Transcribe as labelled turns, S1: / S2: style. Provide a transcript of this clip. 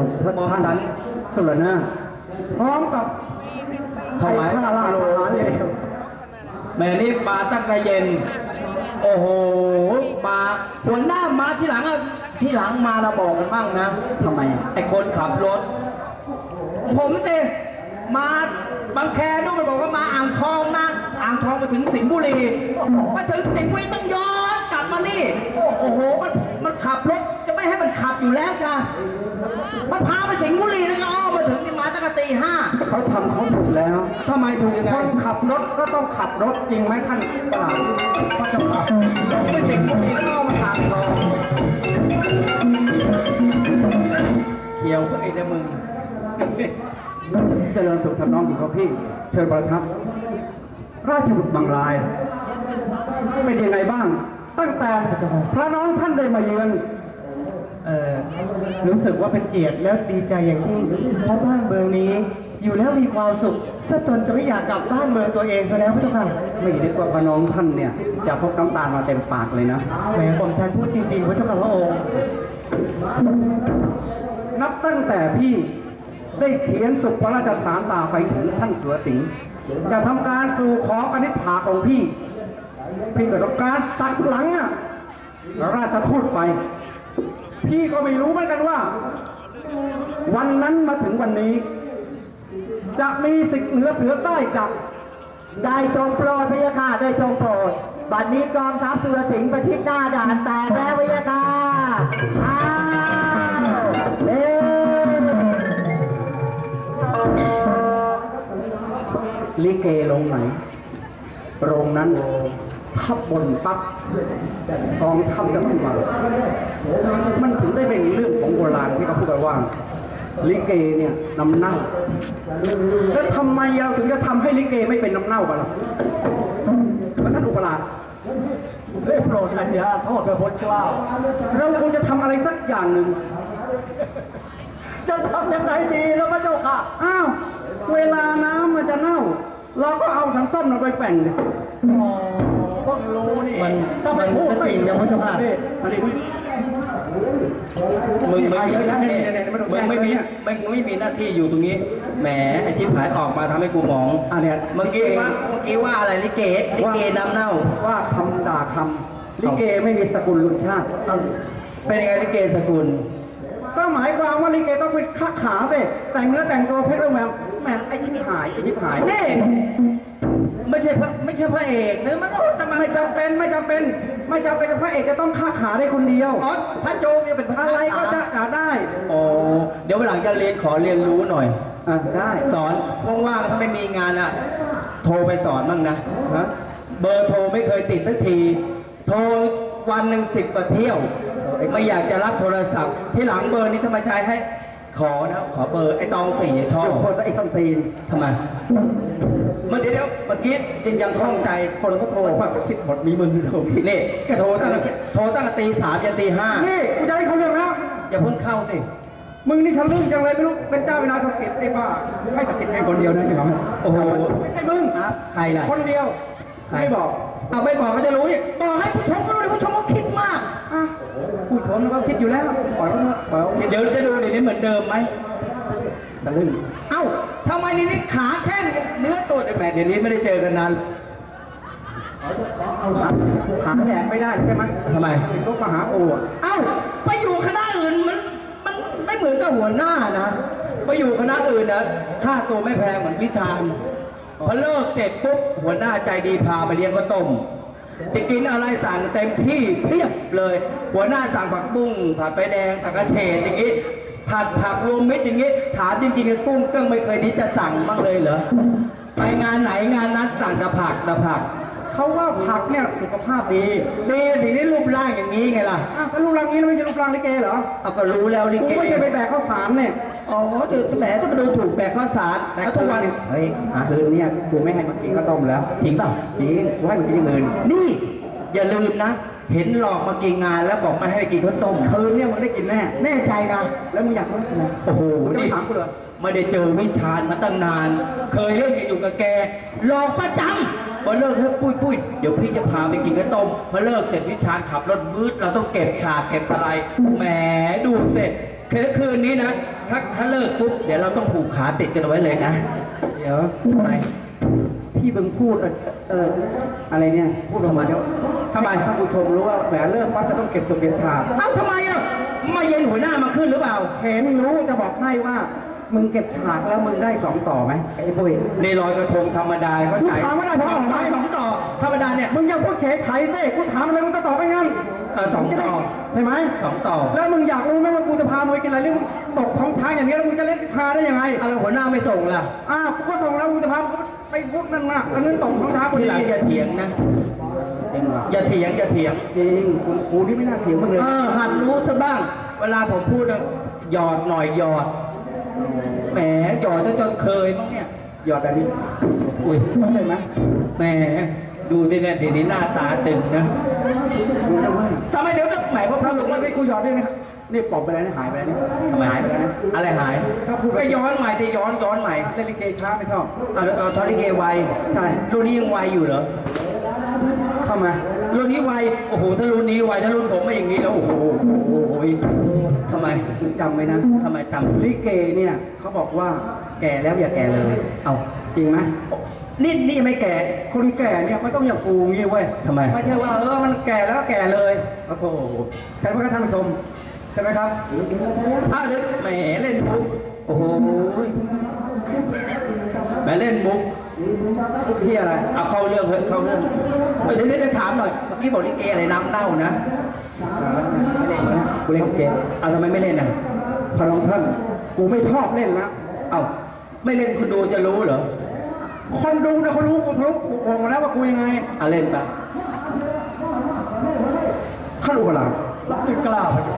S1: ท่านสุรนาถพร้อมกับไอ้ข้าราชทหารเลว
S2: แม่นี่มาตั้งแต่เย็นโอ้โหมาหัวหน้ามาที่หลังอะที่หลังมาเราบอกกันบ้างนะ
S1: ทำไม
S2: ไอ้คนขับรถผมสิมาบางแคนู่นมันบอกว่ามาอ่างทองนะอ่างทองมาถึงสิงห์บุรีมาถึงสิงห์บุรีต้องย้อนกลับมานี่โอ้โหมันขับรถจะไม่ให้มันขับอยู่แล้วจ้ามันพาไปสิงห์บุรีแล้วก็อ้อมมาถึงนี่มาตั้งแต่ตี 5
S1: เขาทำเขาถูกแล้ว
S2: ทำไมถูกยังไง
S1: คนขับรถก็ต้องขับรถจริงไหมท่านประหลัดพระเจ้าค่ะ
S2: ไปสิงห์บุรีแล้วอ้อมมาอ่างทองเขียวไอ้เจ้ามึง
S1: เจริญสุขทำน้องหญิงของพี่เชิญประทับราชบุตรบางรายเป็นยังไงบ้างตั้งแต่พระน้องท่านได้มาเยือน
S3: รู้สึกว่าเป็นเกียรติแล้วดีใจอย่างยิ่งเพราะบ้านเมืองนี้อยู่แล้วมีความสุขซะจนจะไม่อยากกลับบ้านเมืองตัวเองซะแล้วพระเจ้าค่ะ
S1: ไม่นึกว่าพระน้องท่านเนี่ยจะพกน้ำตาลมาเต็มปากเลยนะ
S3: แหมผมฉันพูดจริงๆพระเจ้าค่ะพระองค์
S1: นับตั้งแต่พี่ได้เขียนสุพระราชสารตาไปถึงท่านสุรสิงห์จะทำการสู่ขอกนิษฐาของพี่ก็ต้องการสักหลังอ่ะราชทูตไปพี่ก็ไม่รู้เหมือนกันว่าวันนั้นมาถึงวันนี้จะมีสิทธิ์เหนือเสือใต้จับ
S4: ได้ทรงโปรดพระยาค่ะได้ทรงโปรดบัดนี้กองทัพสุรสิงห์ประชิดหน้าด่านแตกแล้วพระยาค่ะอ้าว
S1: ลิเกลงไหนโรงนั้นทับบนปั๊บกองทัพจะต้องมามันถึงได้เป็นเรื่องของโบราณที่เขาพูดกันว่าลิเกเนี่ยน้ำเน่าแล้วทำไมเราถึงจะทำให้ลิเกไม่เป็นน้ำเน่ากันล่ะท่านอุปราช
S2: ได้โปรดอัญญาโทษพระพุทธเจ้า
S1: เราควรจะทำอะไรสักอย่างหนึ่ง
S2: จะทำยังไงดีแล้วพระเจ้าค่ะ
S1: อ้าวเวลาน้ำมันจะเน่าเราก็เอาสังส้มเราไปแฝงดิ
S2: อ๋อก็รู้นี่
S3: มันก็จริงนะพระเจ้าค่ะ
S2: มึงไม่มีหน้าที่อยู่ตรงนี้แหมไอ้ที่ผายออกมาทำให้กูมอง
S1: เนี่ย
S2: เมื่อกี้ว่าอะไรลิเกน้ำเน่า
S1: ว่าคำด่าคำลิเกไม่มีสกุลลุนชาติ
S2: เป็นยังไงลิเกสกุล
S1: ก็หมายความว่าลิเกต้องเป็นข้าขาสิแต่งเนื้อแต่งตัวเพชรแหววแหมไอชิบหาย
S2: นี่ไม่ใช่พระเอกนะมันก็จะมา
S1: ไม่จำเป็นพระเอกจะต้องข้าขาได้คนเดียว
S2: อ๋อพระโจงเนี่ยเป็นพระ
S1: อะไรก็จะได้
S2: อ๋อเดี๋ยววันหลังจะขอเรียนรู้หน่อย
S1: ได้
S2: สอนว่างๆถ้าไม่มีงานอ่ะโทรไปสอนบ้างนะเบอร์โทรไม่เคยติดสักทีโทรวันหนึ่ง10 กว่าเที่ยวไม่อยากจะรับโทรศัพท์ที่หลังเบอร์นี้ทำไมใช้ให้ขอเบอร์ไอ้ตอง4ชอบ
S1: คนไอ้สัมตีน
S2: ทำไมเมื่อกี้ยังคล่องใจคนก็โทร
S1: ว่าคิดหมดมีมือเดียว
S2: นี่ก็โทรตั้งแต่ตี 3ยันตี 5
S1: นี่กูจะให้เขาเรื่องแล้ว
S2: อย่าเพิ่งเข้าสิ
S1: มึงนี่ทะลึ่งจังเลยไม่รู้เป็นเจ้าเป็นนายสกิดไอ้บ้าให้สกิดแค่คนเดียวนะใช่ไหม
S2: โอ้โห
S1: ไม่ใช่มึง
S2: ใครล่ะ
S1: คนเดียวไม่บอก
S2: ไม่บอกก็จะรู้ดิบอกให้ผู้ชมก็รู้ดิผู้ชมก็คิดมาก
S1: ผู้ชมเขาคิดอยู่แล้วปล่อยเขาคิด
S2: เดี๋ยวจะดูเดี๋ยวนี้เหมือนเดิมไหม
S1: ทะลึ่ง
S2: ทำไมนี่ขาแค่เนื้อตัวแต่แหมเดี๋ยวนี้ไม่ได้เจอกันนาน
S1: ขาแดดไม่ได้ใช่ไหม
S2: ทำไม
S1: เป็นพวกมหาโอ
S2: ไปอยู่คณะอื่นมันไม่เหมือนกับหัวหน้านะไปอยู่คณะอื่นนะค่าตัวไม่แพงเหมือนวิชาพอเลิกเสร็จปุ๊บหัวหน้าใจดีพาไปเลี้ยงข้าวต้มจะกินอะไรสั่งเต็มที่เพียบเลยหัวหน้าสั่งผักบุ้งผัดไฟแดงผักกระเฉดอย่างนี้ผัดผักรวมมิตรอย่างนี้ถามจริงๆกุ้งก็ไม่เคยที่จะสั่งบ้างเลยเหรอไปงานไหนงานนั้นสั่งแต่ผัก
S1: เขาว่าผักเนี่ยสุขภาพดี
S2: ถึงได้รูปร่างอย่างนี้ไงล่ะ
S1: ก็รูปร่างนี้ไม่ใช่รูปร่างลิเกเหรอ
S2: ก็รู้แล้วลิเก
S1: กูไม่ใช่ไปแบกข้าวสารเนี่ย
S2: เดี๋ยวแหมถ้ามาดูถูกแบกข้าวสาร
S1: แล้วทุกวันเฮ้ยคืนเนี่ยกูไม่ให้มันกินข้าวต้มแล้ว
S2: จริงเปล่า
S1: จริงกูให้มันกินอย่างอื่น
S2: นี่อย่าลืมนะเห็นหลอกมากินงานแล้วบอกไม่ให้กินข้าวต้ม
S1: คืนเนี่ยมึงได้กิน
S2: แน่ใจนะ
S1: แล้วมึงอยากกินอะไร
S2: โอ้โห
S1: นี่ถามกูเลย
S2: ไม่ได้เจอวิชาญมาตั้งนานเคยเล่นอยู่กับแกหลอกประจำพอเลิกแล้วปุ้ยเดี๋ยวพี่จะพาไปกินข้าวต้มพอเลิกเสร็จวิชาญขับรถบื้อเราต้องเก็บฉากเก็บอะไรแหมดูเสร็จคืนนี้นะถ้าเลิกปุ๊บเดี๋ยวเราต้องผูกขาติดกันเอาไว้เลยนะ
S1: เดี๋ยว
S2: ทำไม
S1: ที่มึงพูดอะไรเนี่ยพูดออกมาเดี๋ยว
S2: ทำไม
S1: ท่านผู้ชมรู้ว่าแหมเลิกปั๊บจะต้องเก็บจบเก็บฉาก
S2: เอ้าทำไมอ่ะมาเย็นหัวหน้ามาขึ้นหรือเปล่า
S1: เห็นรู้จะบอกให้ว่ามึงเก็บฉากแล้วมึงได้สองต่อไหมไอ้ปุ้ย
S2: ในลอยกระทงธรรมดาเขา
S1: กู
S2: จ่าย
S1: ถามว่าได้สองต่อไหม
S2: สองต่อธรรมดาเนี่ย
S1: มึงยังพูดเฉยไฉสิกูถามอะไรมึงจะตอบไม่งั้น
S2: สองต่อ
S1: ใช่ไหม
S2: สองต่อ
S1: แล้วมึงอยากรู้ไหมว่ากูจะพามึงไปกินอะไรหรือมึงตกท้องทางอย่างนี้แล้วมึงจะเล่นพาได้ยังไง
S2: อะไรหัวหน้าไม่ส่งล่ะ
S1: กูก็ส่งแล้วมึงจะพามึงไปพูดนั่นน่ะอันนั้นตกท้องทางพอ
S2: ที
S1: ดี
S2: หลังอย่าเถียงนะ
S1: จริงว่ะ
S2: อย่าเถียงอย่าเถียง
S1: จริงกูนี่ไม่น่าเถียงมึงเลย
S2: หัดรู้ซะบ้าง เวลาผมพูดอะหยอดหน่อยหยอด แหมหยอดจนเคยมั้งเนี่ย
S1: หยอดแบบนี้
S2: อุ้ย
S1: เข้าใจไหม
S2: แหมดูสิเนี่ยทีนี้หน้าตาตึงนะ
S1: มึงจะว่า
S2: ทำไมเดี๋ยวจะแหมพอ
S1: ส
S2: พูด
S1: รุปว่าที่กูหยอดด้วยนะครับนี่ปลอบไปแล้วนี่หายไปแล้วนี่
S2: ทำไม
S1: หายไปแล้วนะ
S2: อะไรหาย
S1: ถ้าพูด
S2: ก็ย้อนใหม่ที่ย้อนใหม่
S1: เล่นลิเกช้าไม่ชอบ
S2: เอาทอริเกไว
S1: ใช่
S2: รุ่นนี้ยังไวอยู่เหรอ
S1: เข้ามา
S2: รุ่นนี้ไวโอ้โหถ้ารุ่นนี้ไวถ้ารุ่นผมไม่อย่างนี้แล้วโอ้โหทำไม
S1: มึงจำไว้นะ
S2: ทำไมจำ
S1: ลิเกเนี่ยเขาบอกว่าแก่แล้วอย่าแก่เลย
S2: เอา
S1: จริงไหม
S2: นี่ไม่แก่
S1: คนแก่เนี่ยมันต้องอย่างกูงี้เว้ย
S2: ทำไม
S1: ไม่ใช่ว่ามันแก่แล้วแก่เลยโอ้โถใช่ไหมครับท่านผู้ชมใช่ไหมครับ
S2: เดี๋ยวแหมเล่นมุกโอ้โหแหมเล่นมุก
S1: พวกที่อะไร
S2: เอาเข้าเรื่องเถอะเข้าเรื่องเดี๋ยวจะถามหน่อยเมื่อกี้บอกลิเกอะไรน้ำเน่านะ
S1: ไม่เล่นแล้วนะกูเล่นเกม
S2: เอาทำไมไม่เล่นอ่ะ
S1: พระองค์ท่านกูไม่ชอบเล่นแล้ว
S2: เอาไม่เล่นคุณดูจะรู้เหรอ
S1: คนดูนะเขารู้กูทะลุวงมาแล้วว่ากูยังไง
S2: เล่นไป
S1: ข้ารู้เปล่ารับมือกล้าไปจ้ะ